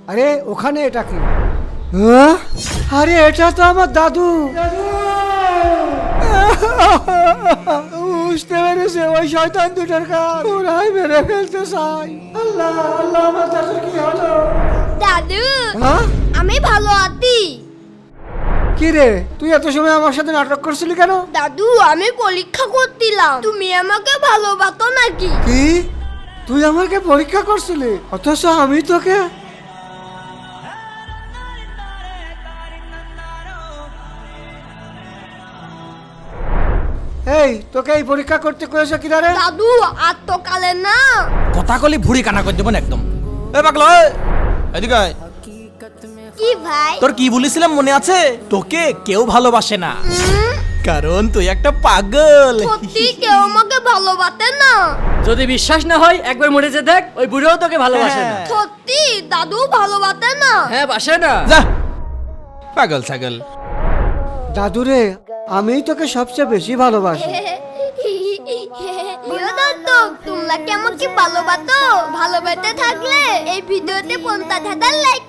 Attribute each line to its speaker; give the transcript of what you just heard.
Speaker 1: আরে ওখানে এটা কি? আরে এটা তো আমার দাদু। বুঝতে পেরেছে ওই শয়তান দুটোর কাজ, ওরাই মেরে ফেলতে চাই। আল্লাহ আল্লাহ, আমার দাদু কি হলো?
Speaker 2: দাদু
Speaker 1: হ্যাঁ
Speaker 2: আমি ভালো আছি।
Speaker 1: কি রে, তুই এত সময় আমার সাথে নাটক করছিলি কেন?
Speaker 2: দাদু আমি পরীক্ষা করছিলাম তুমি আমাকে ভালোবাসো নাকি।
Speaker 1: কি তুই আমাকে পরীক্ষা করছিলি, অথচ আমি তোকে? এই তোকে এই পরীক্ষা করতে কয়েছে কি রে?
Speaker 2: দাদু আর তো কালে না।
Speaker 3: কথা কলি ভুড়ি কানা করে দেবেন একদম। এ পাগলা এদিকে আয়।
Speaker 2: কি ভাই?
Speaker 3: তোর কি বলেছিলাম মনে আছে? তোকে কেউ ভালোবাসে না, কারণ তুই একটা পাগল।
Speaker 2: সত্যি কেউ আমাকে ভালোবাসে না।
Speaker 4: যদি বিশ্বাস না হয় একবার মরে যে দেখ, ওই বুড়োও তোকে ভালোবাসে না।
Speaker 3: হ্যাঁ।
Speaker 2: সত্যি দাদু ভালোবাসে না।
Speaker 4: হ্যাঁ বাসে না।
Speaker 3: যা পাগল ছাগল।
Speaker 1: দাদুরে, আমিই তোকে সবচেয়ে বেশি ভালোবাসি।
Speaker 2: প্রিয় দর্শক, তোমরা কি আমাকে ভালোবাসো? ভালোবাসতে থাকলে এই ভিডিওতে 50,000 লাইক